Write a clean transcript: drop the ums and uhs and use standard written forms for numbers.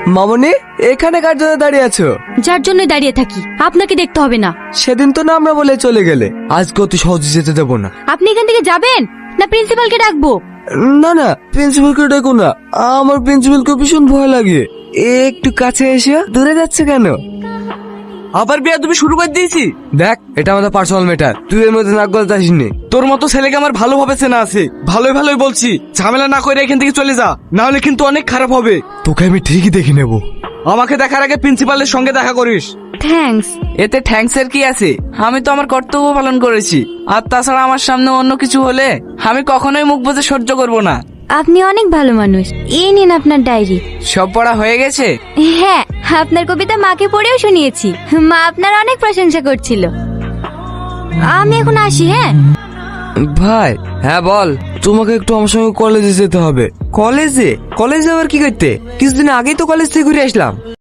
মামনি, এখানে কার জন্য দাঁড়িয়ে আছো? যার জন্য দাঁড়িয়ে থাকি, আপনাকে দেখতে হবে না। সেদিন তো না আমরা বলে চলে গেলে, আজকে অত সহজে যেতে দেবো না। আপনি এখান থেকে যাবেন না প্রিন্সিপালকে ডাকবো? না না, প্রিন্সিপালকে ডাকো না, আমার প্রিন্সিপালকে ভীষণ ভয় লাগে। একটু কাছে এসে দূরে যাচ্ছে কেন? আবার বিয়া তুমি শুরু করে দিয়েছি। দেখ, এটা আমাদের পার্সোনাল ম্যাটার, তুই এর মধ্যে নাক গলাতে আসিনি। তোর মতো ছেলেকে আমার ভালোভাবে চেনা আছে, ভালোই ভালোই বলছি, ঝামেলা না করে এখান থেকে চলে যা, না হলে কিন্তু অনেক খারাপ হবে। তোকে আমি ঠিকই দেখে নেবো। আমাকে দেখার আগে প্রিন্সিপালের সঙ্গে দেখা করিস। থ্যাঙ্কস। এতে থ্যাঙ্কস এর কি আছে? আমি তো আমার কর্তব্য পালন করেছি। আর তাছাড়া আমার সামনে অন্য কিছু হলে আমি কখনোই মুখ বুজে সহ্য করব না। আপনি অনেক ভালো মানুষ। এই নিন আপনার ডায়েরি। সব পড়া হয়ে গেছে? হ্যাঁ, আপনার কবিতা মাকে পড়েও শুনিয়েছি। মা আপনার অনেক প্রশংসা করছিল। আমি এখন আসি। হ্যাঁ ভাই। হ্যাঁ বল। তোমাকে একটু আমার সঙ্গে কলেজে যেতে হবে। কলেজে? কলেজে আবার কি করতে? কিছুদিন আগেই তো কলেজ থেকে ঘুরে আসলাম।